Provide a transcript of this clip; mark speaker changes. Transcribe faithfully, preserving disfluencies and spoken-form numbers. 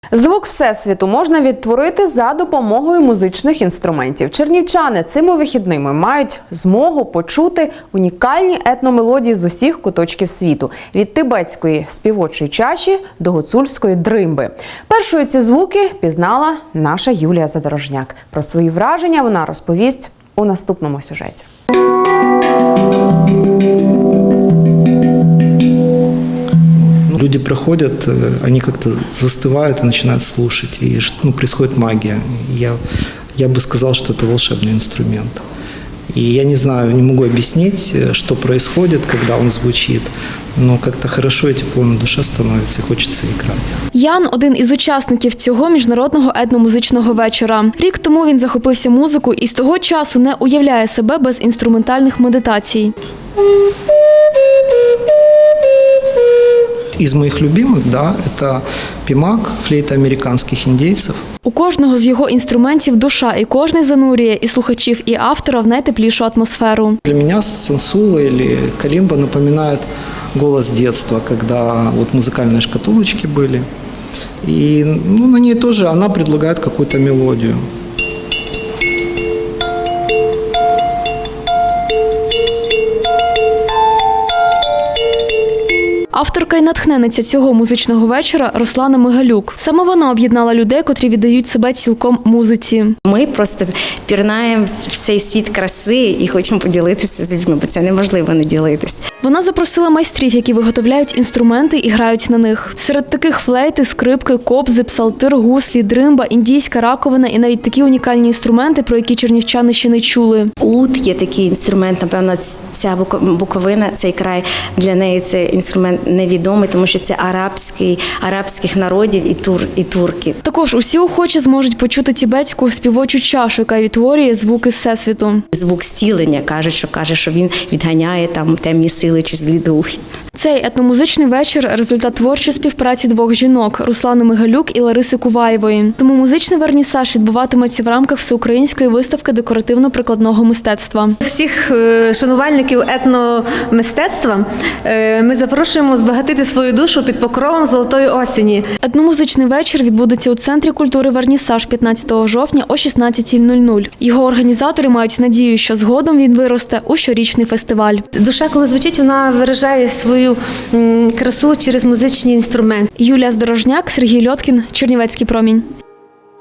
Speaker 1: Звук Всесвіту можна відтворити за допомогою музичних інструментів. Чернівчани цими вихідними мають змогу почути унікальні етномелодії з усіх куточків світу – від тибетської співочої чаші до гуцульської дримби. Першою ці звуки пізнала наша Юлія Задорожняк. Про свої враження вона розповість у наступному сюжеті.
Speaker 2: Люди проходят, они как-то застывают и начинают слушать, и ну, происходит магия. Я, я бы сказал, что это волшебный инструмент. И я не знаю, не могу объяснить, что происходит, когда он звучит, но как-то хорошо и тепло на душе становится, и хочется играть.
Speaker 3: Ян – один із учасників цього міжнародного етномузичного вечора. Рік тому він захопився музикою і з того часу не уявляє себе без інструментальних медитацій.
Speaker 2: Из моих любимых, да, это пимак, флейта американских индейцев.
Speaker 3: У кожного з його інструментів душа, і кожний занурює і слухачів, і автора в найтеплішу атмосферу.
Speaker 2: Для меня сансула или калимба напоминает голос детства, когда вот музыкальные шкатулочки были. И ну, на ней тоже она предлагает какую-то мелодию.
Speaker 3: Авторка і натхненниця цього музичного вечора – Руслана Мигалюк. Саме вона об'єднала людей, котрі віддають себе цілком музиці.
Speaker 4: Ми просто пірнаємо в цей світ краси і хочемо поділитися з людьми, бо це неможливо не ділитись.
Speaker 3: Вона запросила майстрів, які виготовляють інструменти і грають на них. Серед таких флейти, скрипки, кобзи, псалтир, гуслі, дримба, індійська раковина і навіть такі унікальні інструменти, про які чернівчани ще не чули.
Speaker 4: Ут є такий інструмент, напевно, ця Буковина, цей край, для неї це інструмент невідомий, тому що це арабський, арабських народів і, тур, і турки.
Speaker 3: Також усі охочі зможуть почути тибетську співочу чашу, яка відтворює звуки Всесвіту.
Speaker 4: Звук зцілення, кажуть, що каже, що він відганяє там темні сили чи злі духи.
Speaker 3: Цей етномузичний вечір – результат творчої співпраці двох жінок – Руслани Мигалюк і Лариси Куваєвої. Тому музичний вернісаж відбуватиметься в рамках всеукраїнської виставки декоративно-прикладного мистецтва.
Speaker 5: Всіх шанувальників етномистецтва ми запрошуємо збагатити свою душу під покровом золотої осені.
Speaker 3: Етномузичний вечір відбудеться у Центрі культури «Вернісаж» п'ятнадцятого жовтня о шістнадцятій нуль нуль. Його організатори мають надію, що згодом він виросте у щорічний фестиваль.
Speaker 5: Душа, коли звучить, вона виражає свою красу через музичні інструменти.
Speaker 3: Юлія Задорожняк, Сергій Льоткін, Чернівецький промінь.